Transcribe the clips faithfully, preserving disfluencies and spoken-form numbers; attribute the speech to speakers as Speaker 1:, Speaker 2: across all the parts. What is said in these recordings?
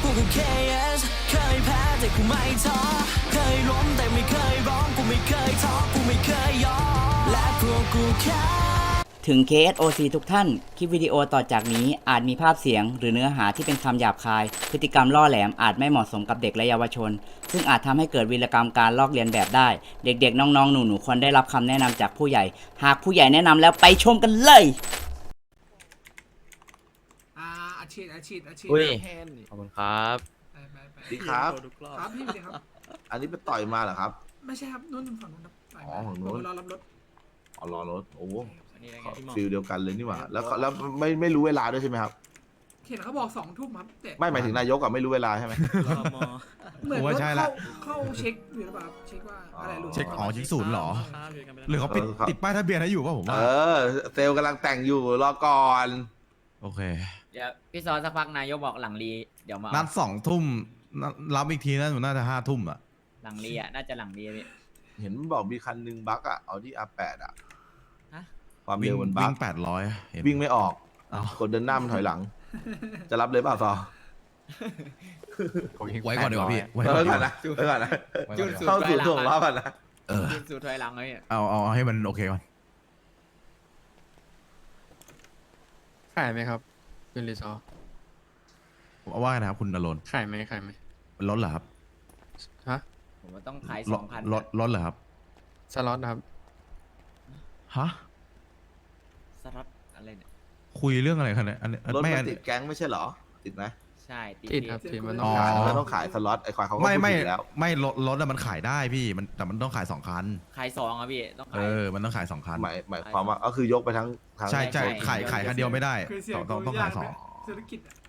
Speaker 1: กูคือ เค เอส เคยแพ้แต่กูไม่ท้อเคยล้มแต่ไม่เคยร้องกูไม่เคยท้อกูไม่เคยยอมและพวกกูแค่ถึง เค เอส โอ ซี ทุกท่าน คลิปวิดีโอต่อจากนี้อาจมีภาพเสียงหรือเนื้อหาที่เป็นคำหยาบคาย พฤติกรรมล่อแหลมอาจไม่เหมาะสมกับเด็กและเยาวชน ซึ่งอาจทำให้เกิดวีรกรรมการลอกเลียนแบบได้ เด็กๆ น้องๆ หนูๆ ควรได้รับคำแนะนำจากผู้ใหญ่ หากผู้ใหญ่แนะนำแล้วไปชมกันเลย
Speaker 2: อ่าอาชีพอาชีพอาชีพ
Speaker 3: อุ้ย
Speaker 2: แทนนี่
Speaker 3: ขอบคุณครับ
Speaker 2: ไปไปไป
Speaker 4: ดีครับ
Speaker 2: ครับพี่ดีครับ
Speaker 4: อันนี้ไปต่อยมาเหรอครับ
Speaker 2: ไม่ใช่ครับนู่นฝั่งนู้นครับไป
Speaker 4: อ๋อฝั่งนู้น
Speaker 2: รอรับรถ
Speaker 4: อ๋อรอรถโอ้โห
Speaker 3: อันนี้ได้ไงพี่หมอ
Speaker 4: ฟิลเดียวกันเลยนี่หว่า แล้วเขาแล้วไม่ไม่รู้เวลาด้วยใช่ไหมครับ
Speaker 2: เห็นเขาบอกสองทุ่มครับแต่
Speaker 4: ไม่หมายถึงนายกอะไม่รู้เวลาใช่ไหม
Speaker 3: รอมอ
Speaker 2: เหมือน
Speaker 5: ผมว่าใช่
Speaker 2: ว่า
Speaker 5: ละ
Speaker 2: เข้าเข้าเช็คอยู่หรือเปล่าครับเช็คว่าอะไรหลุด
Speaker 5: เช็คอ๋อเช็คศูนย์เหรอ
Speaker 3: ครับอยู่กันไปแล้ว
Speaker 5: หรือเขาปิด
Speaker 4: เออครับ
Speaker 5: ติดป้ายทะเบียนให้อยู่ป่ะผม
Speaker 4: เอ
Speaker 5: ว่า
Speaker 4: อ เซลล์กำลังแต่งอยู่รอก่อน
Speaker 5: โอเค
Speaker 3: เดี๋ยวพี่ซอสักพักนายกบอกหลังรีเดี๋ยวมา
Speaker 5: นัดสองทุ่มนัดรับอีกทีน่าจะน่าจะห้าทุ่มอ่ะ
Speaker 3: หลังรีอ่ะน่าจะหลังรีอะพี่
Speaker 4: เห็นบอกมีคันหนึงบั๊กอะเอาที่ อาร์ แปด อะ
Speaker 3: ฮะ
Speaker 4: ความ
Speaker 5: วิ่
Speaker 4: เร็
Speaker 5: ง
Speaker 4: วมันบั๊
Speaker 5: วิ่
Speaker 4: ก
Speaker 5: งแปดร้อย
Speaker 4: วิ่งไม่ออก
Speaker 5: เอ้า
Speaker 4: คนเดินหน้ามันถอยหลัง จะรับเลยเปล่าซอ
Speaker 5: ไว้ก่อนดีกว่าพี่ไว้
Speaker 4: เอ
Speaker 5: ก่อ
Speaker 4: อน
Speaker 5: ดี
Speaker 4: ก่
Speaker 5: ก
Speaker 4: อน
Speaker 5: ว่า
Speaker 4: นะไว้ก่อนนะ
Speaker 3: จุดสู
Speaker 4: เข้า
Speaker 3: ตร
Speaker 4: สู่
Speaker 3: ถอยหลั
Speaker 4: ส่วง
Speaker 3: ง
Speaker 4: รอบก่อนนะ
Speaker 5: เออ
Speaker 3: จุดสูตรถอยหลังเลยอ่ะ
Speaker 5: เอาเอาเอาให้มันโอเคก่อน
Speaker 6: ขายไหมครับคุณรีซอร์
Speaker 5: ผมว่าไงนะครับคุณนรนท์
Speaker 6: ขายไหมขายไหม
Speaker 5: ลดเหรอครับ
Speaker 6: ฮะ
Speaker 3: ผมว่าต้องขาย
Speaker 5: ล
Speaker 3: ส
Speaker 5: ด
Speaker 3: องพัน
Speaker 5: ลดลดเหรอครับ
Speaker 6: สล็อตนะครับ
Speaker 5: ฮะ
Speaker 3: สล็อตอะไรเนี่ย
Speaker 5: คุยเรื่องอะไรกันเนี่ยอันนี้
Speaker 4: รถ
Speaker 5: ไม่
Speaker 4: มั
Speaker 5: อั
Speaker 4: น
Speaker 5: น
Speaker 4: ติดแก๊งไม่ใช่เหรอ ติดไหม
Speaker 3: ใช่ติด
Speaker 6: ติด
Speaker 3: พี่
Speaker 6: ครับติดมันต้
Speaker 5: อ๋
Speaker 6: อง
Speaker 5: อ
Speaker 6: ขาย
Speaker 4: มันต้องขายสล็อตไอ้ควายเขาก็
Speaker 5: ไม่
Speaker 4: พูด
Speaker 5: ไม่
Speaker 4: ผิดแล้ว
Speaker 5: ไม่รถรถอะมันขายได้พี่มันแต่มันต้องขายสองคัน
Speaker 3: ขายสองอ่ะพี่ต้อง
Speaker 5: เอ
Speaker 3: ขาย
Speaker 5: อมันต้องขายสองคัน
Speaker 4: หมายหมายความว่าก็คือยกไปทั้งทั้ง
Speaker 5: ใช่ใช่
Speaker 3: ใช่
Speaker 5: ขายขายคันเดียวไม่ได้
Speaker 2: คือเสีย
Speaker 5: ต้อง
Speaker 2: ง
Speaker 5: ต้องต้องขายสอง
Speaker 2: เศรษฐกิจอะ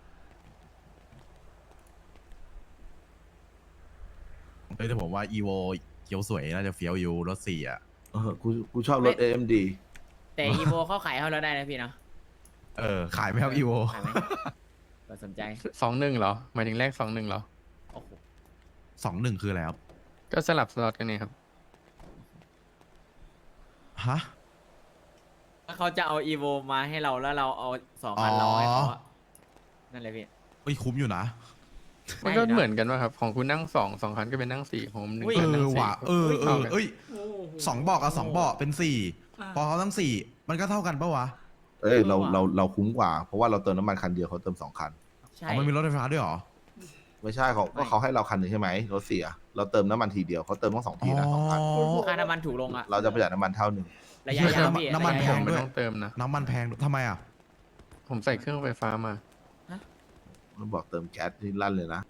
Speaker 5: เอ้ยแต่ผมว่าอีโวเขียวสวยน่าจะเฟี้ยวอยู่รถสี่อ่ะ
Speaker 4: เออกูกูชอบรถ เอ เอ็ม ดี
Speaker 3: แต่อีโวเขาขายให้เราได้นะพี่เนาะ
Speaker 5: เออขายไหมครับอีโว
Speaker 3: ขายไหมก็สนใจ
Speaker 6: สองหนึ่งเหรอหมายถึงแรกสองหนึ่งเหรอ
Speaker 3: โอ้โห
Speaker 5: สองหนึ่งคืออะไรครับ
Speaker 6: ก็สลับสล็อตกันนี่ครับ
Speaker 5: ฮะ
Speaker 3: ถ้าเขาจะเอาอีโวมาให้เราแล้วเราเอาสองพันเราให้เขาอะนั่นเลยพี่
Speaker 5: เอ้ยคุ้มอยู่นะ
Speaker 6: มันก็
Speaker 3: ไม่นะ
Speaker 6: เหมือนกันว่าครับ ของคุณนั่งสองสองคันก็เป็นนั่งสี่ของผมหนึ่ง
Speaker 3: อุ้ย
Speaker 5: เอ
Speaker 6: คันนั่
Speaker 5: อง
Speaker 6: สี่
Speaker 5: ว่ะเออเออเอ้ย
Speaker 2: โอ้โห
Speaker 5: สองเบอกกับสองเบาะเป็นสี่
Speaker 2: อ่า
Speaker 5: พอเขาทั้งสี่มันก็เท่ากันปะวะ
Speaker 4: เอ้ยเรา
Speaker 3: เออว่ะ
Speaker 4: เราเราคุ้มกว่า เพราะว่าเราเติมน้ำมันคันเดียวเขาเติมสองคัน
Speaker 3: ใช่
Speaker 5: อ๋อมันมีรถไฟฟ้าด้วยเหรอ
Speaker 4: ไม่ใช่เขาก็เขาให้เราคันหนึ่งใช่ไหมรถเสีย เราเติมน้ำมันทีเดียวเขาเติมต้องสองทีนะสองคัน
Speaker 3: ค่าน้ำมันถูกลงอะ
Speaker 4: เราจะประหยัดน้ำมันเท่าหนึ่ง
Speaker 3: ระยะยาวพี่
Speaker 5: น้ำมัน
Speaker 3: ระยะ
Speaker 5: แพ
Speaker 3: ยาว
Speaker 5: ง
Speaker 6: ไม่
Speaker 5: ด้วย
Speaker 6: ต้องเติมนะ
Speaker 5: น้ำมันแพงด้วยทำไมอ่ะ
Speaker 6: ผมใส่เครื่องไฟฟ้ามา
Speaker 4: มันบอกเติมแก๊สที่ลั่นเลยนะ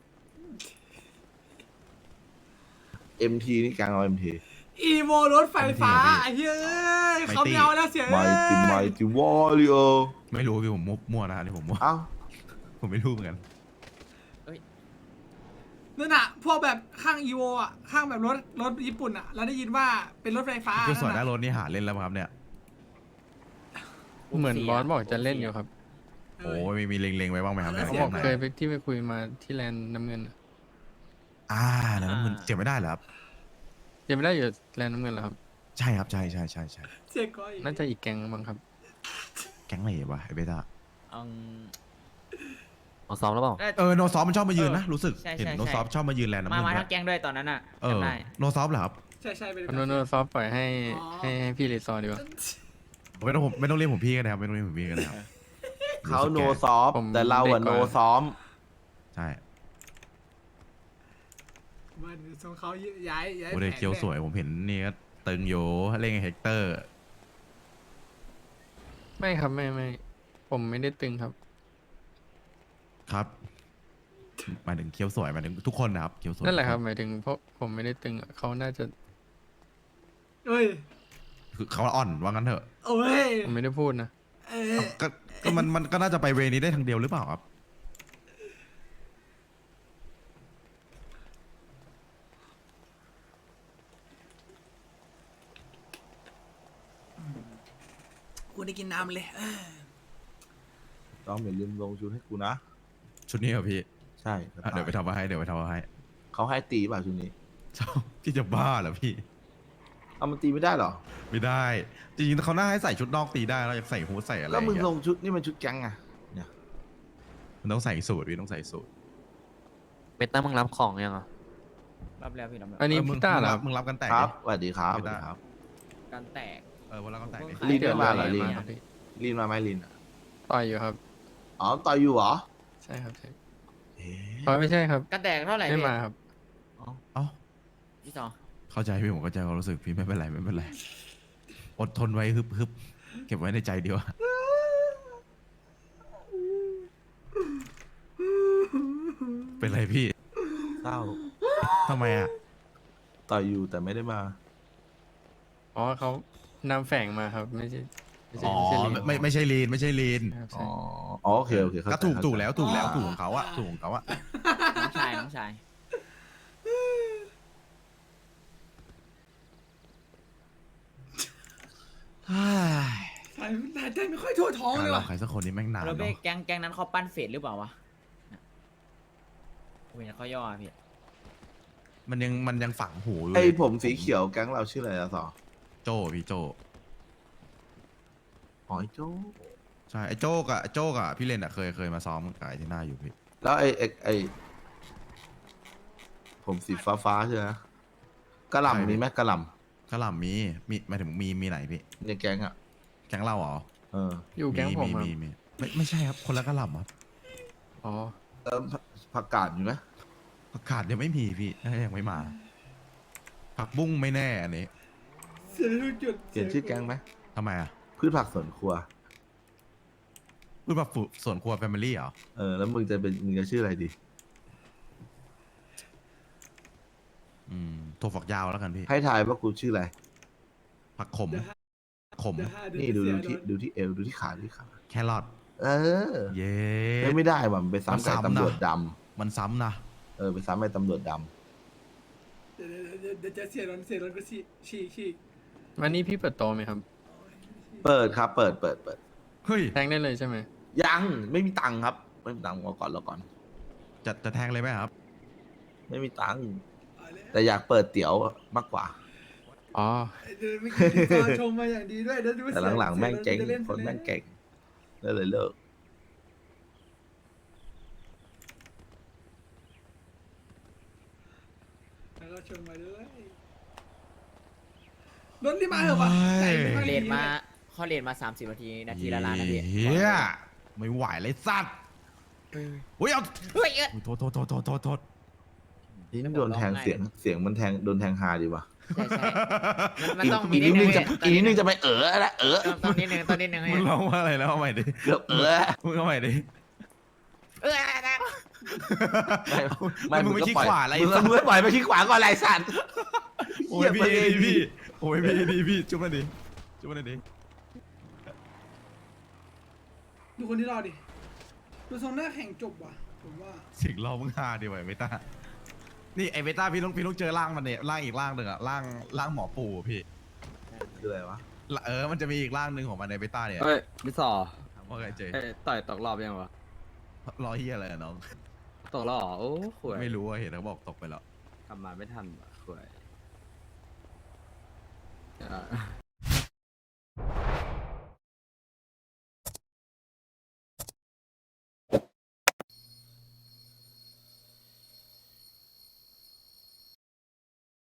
Speaker 4: เอ็ม ที นี่แกงเอา เอ็ม ที
Speaker 2: อีโวรถไฟฟ้า
Speaker 5: ไม่
Speaker 2: ไอ้เหี้ยเอ้ย
Speaker 5: ไม่
Speaker 2: เขา
Speaker 5: ตี
Speaker 2: ไม่เอาแล้วเสีย
Speaker 4: ไม
Speaker 2: เอ้ย
Speaker 4: ติไมติวอริโอ
Speaker 5: ไม่รู้พี่ผมมั่วมั่วนะอันนี้ผมมั่ว
Speaker 4: เอ้า
Speaker 5: ผมไม่รู้เหมือนกัน
Speaker 2: นั่นน่ะพวกแบบข้างอีโวอ่ะข้างแบบรถรถญี่ปุ่นอ่ะแล้วได้ยินว่าเป็นรถไฟฟ้า
Speaker 5: เกี่ยวสวยห
Speaker 2: นั่
Speaker 5: น้าน ร
Speaker 2: น่ะ
Speaker 5: ถนี่หาเล่นแล้วมั้งครับเนี่ย
Speaker 6: เหมือนบอสบอกจะเล่นอยู่ครับ
Speaker 2: เอ
Speaker 5: โอ้
Speaker 2: อ
Speaker 5: มีมีเล็งๆไว้บ้างไหมครับเนี่ย
Speaker 6: เขาบอก
Speaker 5: ไหน
Speaker 6: เคยไปที่ไปคุยมาที่แลนด์น้ำเงินอะ
Speaker 5: อ่าแล้วน้ำเงินเสียไม่ได้เหรอครับ
Speaker 6: ยังไม่ได้อยู่แลนด์น้ำเงินเหรอครับ
Speaker 5: ใช่ครับใช่ใช่ใช่ใช่
Speaker 2: เสียก้อย
Speaker 6: น่าจะอีกแก๊งบ้างครับ
Speaker 5: แก๊งไหนวะไอเบต้า
Speaker 3: อืม
Speaker 7: เอาซ้อมแล้วเปล่า
Speaker 3: น่า
Speaker 5: เออโนซอฟมันชอบมายืนนะ รู้สึก
Speaker 3: ใช่ใช่
Speaker 5: เห็น
Speaker 3: ใช่
Speaker 5: โนซอฟชอบมายืนแลนด์น้ำ
Speaker 3: มา
Speaker 5: เงิน
Speaker 3: มา
Speaker 5: ด้
Speaker 3: ทั้
Speaker 5: วย
Speaker 3: งแก๊งด้วยตอนนั้นอะ
Speaker 5: เออ
Speaker 3: จำได้
Speaker 5: โนซอฟเหรอครับ
Speaker 2: ใช่ใช่เป็น
Speaker 6: โนโนซอฟปล่อยให้ให้ให้พี่รีซอร์ดีกว่า
Speaker 5: ไม่ต้องผมไม่ต้องเรียกผมพี่กันนะครับไม่ต้องเรียกผมพี่กันนะครับ
Speaker 4: เขาโน
Speaker 5: รู้สึก
Speaker 4: ซอฟ
Speaker 6: ผม
Speaker 4: แต่เราอะ
Speaker 6: เด็กก
Speaker 4: โน
Speaker 6: ว่า
Speaker 4: ซ้อม
Speaker 5: ใช่
Speaker 2: มันทรงเขาย้ายย้าย
Speaker 5: โมเดล
Speaker 2: แผน
Speaker 5: เคียวสวยผมเห็นนี่ก็ตึงอยู่เล่นกับเฮกเตอร์
Speaker 6: ไม่ครับไม่ไม่ผมไม่ได้ตึงครับ
Speaker 5: ครับหมายถึงเคียวสวยหมายถึงทุกคนนะครับเคียวสวย
Speaker 6: นั่นแหละครับหมายถึงเพราะผมไม่ได้ตึงอะเขาน่าจะ
Speaker 2: เอ้ย
Speaker 5: คือเขาอ่อนว่างั้นเถอะ
Speaker 2: โอ้ย
Speaker 6: ผมไม่ได้พูดนะ
Speaker 2: เอ้ย
Speaker 5: ก็ก็มันมันก็น่าจะไปเวนี้ได้ทางเดียวหรือเปล่าครับ
Speaker 2: กูได้กินน้ำเลยเอ้ย
Speaker 4: ต้องอย่าลืมลงชุดให้กูนะ
Speaker 5: ชุดนี้เหรอพี่
Speaker 4: ใช่
Speaker 5: อ่ะเดี๋ยวไปทำมาให้เดี๋ยวไปทำมาให้
Speaker 4: เขาให้ตีป่ะชุดนี้
Speaker 5: ชอบพี่จะบ้าเหรอพี่
Speaker 4: เอามันตีไม่ได้เหรอ
Speaker 5: ไม่ได้ จริงๆเขาน่าให้ใส่ชุดนอกตีได้แล้วอยากใส่ฮู้ดใส่อะไร
Speaker 4: แล้วมึง
Speaker 5: อย่าง
Speaker 4: ล
Speaker 5: เงี้ย
Speaker 4: งชุดนี่มันชุดแก๊งอะเนี่ย
Speaker 5: มันต้องใส่สูทพี่ต้องใส่สูท
Speaker 7: เป็นต้ามึงรับของยังอ่ะ
Speaker 3: รับแล้วพี่รับแล้ว
Speaker 6: อันนี้
Speaker 5: เออมึง
Speaker 6: พี่ต้าเหรอครับ
Speaker 5: มึงรับกันแตก
Speaker 4: ค
Speaker 5: ดิ
Speaker 4: รับสวัสดีครับส
Speaker 5: ไม่
Speaker 4: วัส
Speaker 5: ได้
Speaker 4: ดีครับ
Speaker 3: การแตก
Speaker 5: เออวันรับกันแตกดิ
Speaker 3: ผมเพิ่ง
Speaker 4: ลีน
Speaker 3: ขาย
Speaker 4: ไม่มาเหรอ
Speaker 3: เดื
Speaker 4: ลี
Speaker 3: อน
Speaker 4: น
Speaker 3: ละ
Speaker 6: พี่
Speaker 4: ลีนมาไหมลีนอะ
Speaker 6: ต่อยอยู่ครับ
Speaker 4: อ๋อต่อยอยู่เหรอ
Speaker 6: ใช่ครับใช่
Speaker 4: เอ๊ะ
Speaker 6: อ๋อไม่ใช่ครับ
Speaker 3: การแตกเท่าไหร่
Speaker 6: ไม่
Speaker 3: พี่
Speaker 6: มาครับ
Speaker 5: เอ้า
Speaker 3: พี่สอง
Speaker 5: เข้าใจพี่ผมเข้าใจความรู้สึกพี่ไม่เป็นไรไม่เป็นไรอดทนไว้ฮึบฮึบเก็บไว้ในใจเดียวา เป็นไรพี่
Speaker 4: เศร้า
Speaker 5: ทำไมอ่ะ
Speaker 4: ต่อยอยู่แต่ไม่ได้มา
Speaker 6: อ๋อเขานำแฝงมาครับ ไม่ใช่ไม่ใช่
Speaker 5: อ๋อ
Speaker 6: ไม่ใช่ลีน
Speaker 5: ไม่ไม่ใช่ลีนไม่ใช่ลีน
Speaker 6: ครับ
Speaker 4: อ๋
Speaker 6: ใช่
Speaker 4: ออ๋อโอเคโอเคเข้าใจ
Speaker 5: ก็ถูก
Speaker 4: เข้าใจ
Speaker 5: ถูกแล้วถูกแล้วถูกของเขาอะถูกของเขาอะ
Speaker 3: น้องชายน้องชาย
Speaker 2: สายสายใจไม่ค่อยทั่วท้อง
Speaker 5: การ
Speaker 2: เลย
Speaker 5: เรา
Speaker 2: ว่ะ
Speaker 5: ใครสักคนนี้แม่งนาน
Speaker 3: แล้ว
Speaker 5: เนาะ
Speaker 3: เบ้แก๊งแก๊งนั้นเขาปั้นเฟดหรือเปล่าวะผมเห็นเขาย่ออะพี่
Speaker 5: มันยังมันยังฝังหูอยู่
Speaker 4: ไอ
Speaker 5: เลย
Speaker 4: ผมสีเขียวแก๊งเราชื่ออะไรนะสอ
Speaker 5: โจพี่โจ
Speaker 4: อ๋อไอ้โจ้
Speaker 5: ใช่ไอ้โจกอะไอ้โจกอะพี่เลนอะเคยเคยมาซ้อมกับไอ้ที่หน้าอยู่พี่
Speaker 4: แล้วไอ้ไอ้ไอ้ผมสีฟ้าฟ้าๆใช่ไหมกระหล่ำมีไหมกระหล่
Speaker 5: กระหล่ำมีมีหมายถึงมีมีไหนพี่
Speaker 4: ำในแก๊งอ่ะ
Speaker 5: แก๊งเราเหรอ
Speaker 4: เออ
Speaker 6: อยู่แก๊งผมครับ
Speaker 5: มีมีไม่ไม่ใช่ครับคนละกระหล่ำครับ
Speaker 6: อ๋อ
Speaker 4: เออผักผักกาดมีไหม
Speaker 5: ประกาศยังไม่มีพี่น่าจะยังไม่มาผักบุ้งไม่แน่อันนี้
Speaker 2: เสียทุกจุด
Speaker 4: เปลี่ยนชื่อแก๊งไหม
Speaker 5: ทำไมอะ
Speaker 4: พืชผักสวนครัว
Speaker 5: พูดแบบส่วนครัวแฟมิลี่เหรอ
Speaker 4: เออแล้วมึงจะเป็นมึงจะชื่ออะไรดี
Speaker 5: อืมถั่วฝักยาวแล้วกันพี่
Speaker 4: ให้ทายว่ากูชื่ออะไร
Speaker 5: ผักขมขม
Speaker 4: นี่ดูดูที่ดูที่เอวดูที่ขาดูที่ขา
Speaker 5: แครอท
Speaker 4: เออ
Speaker 5: เย้
Speaker 4: ไม่ไม่ได้ว่ะมันไปซ้ำ
Speaker 5: มัน
Speaker 4: กับ
Speaker 5: ซ้ำนะ
Speaker 4: ตำรวจด
Speaker 5: มันซ้ำนะ
Speaker 4: ำเออไปซ้ำไอ้ตำรวจด
Speaker 2: เดี๋ยวเดี๋ยวเดี๋ยวจะเสียร้อนเสียร้อนก็ฉีกฉีกฉีก
Speaker 6: วันนี้พี่เปิดโตไหมครับ
Speaker 4: ำเปิดครับ เปิดเปิดเปิด
Speaker 5: เฮ้ย
Speaker 6: แทงได้เลยใช่ไหม
Speaker 4: ยังไม่มีตังค์ครับ ไม่มีตังค์รอก่อนรอก่อน
Speaker 5: จะจะแทงเลยไหมครับ
Speaker 4: ไม่มีตังค์
Speaker 2: เอาเลย
Speaker 4: แต่อยากเปิดเตี๋ยวมากกว่า
Speaker 6: อ๋อ
Speaker 2: เดี๋ยวไม่คิดที่ฟ้าชมมาอย่างดีด้วยเดี๋ยวดู
Speaker 4: แต่หลังๆแม่งเจ๊ง
Speaker 2: สียร้อจะล่
Speaker 4: คนแม่งเก่งเลยเลยเลิก
Speaker 2: แล้วก็ชมมาด้วยรถที่มาเหรอวะใจไม่ค่อย
Speaker 3: เล
Speaker 2: ดี
Speaker 3: นมาเขาเลนมาสามสิบนาทีนาทีละล้านนะพี่
Speaker 5: เฮียไม่ไหวเลยสัตว์เฮ้ยเอา
Speaker 3: เฮ้ยเอ้ย
Speaker 5: อุ๊ยโทษโทษโทษโทษโทษโทษ
Speaker 4: นี่โดนแทงเสียงเสียงมันแทงโดนแทงฮาดีว่ะ
Speaker 3: ใช่ใช่มันมัน
Speaker 4: อีก
Speaker 3: ต้อง
Speaker 4: อี
Speaker 3: มี
Speaker 4: ก
Speaker 3: นิ
Speaker 4: นิ
Speaker 3: ด
Speaker 4: ด
Speaker 3: นึ
Speaker 4: นึ
Speaker 3: ง
Speaker 4: งจะอีกนิดนึงจะไปเออแล้วเออ
Speaker 3: ตอนนิดนึงตอนนิดนึง
Speaker 5: มึงร้องว่าอะไรแล้วเอาใหม่ดิ
Speaker 4: เกือบเออ
Speaker 5: มึงเอาใหม่ดิ
Speaker 3: เออ
Speaker 5: ไม่มึงไม่ขี้ขวาอะไร
Speaker 4: มึง
Speaker 5: สัตว์
Speaker 4: มึงไม่ปล่อยไปขี้ขวาก่อนไรสัตว์
Speaker 5: โอ้ยพี่ดีพี่โอ้ยพี่ดีพี่จุ๊บมาดิจุ๊บมาดิ
Speaker 2: ดูคนที่รอดิดูทรงหน้าแข่งจบว่ะผมว่า
Speaker 5: สิ่งเรามึงฮาดีไว้เมตานี่ไอเมตาพี่ต้องพี่ต้องเจอร่างมันเนี่ยร่างอีกร่างหนึ่งอะร่างร่างหมอปู่พี่
Speaker 4: คืออะไรวะ
Speaker 5: เออมันจะมีอีกร่างหนึ่งของมันในเมตาเนี่ย
Speaker 8: เฮ้ยพี่สอ
Speaker 5: ว่าไงเจ
Speaker 8: เอ้ยต่อยตกรอบยังวะ
Speaker 5: รอเฮียอะไรอะน้อง
Speaker 8: ตกรอบเหรอโอ้ขวย
Speaker 5: ไม่รู้อะเห็นเขาบอกตกไปแล้ว
Speaker 8: กลับมาไม่ทันว่ะขวย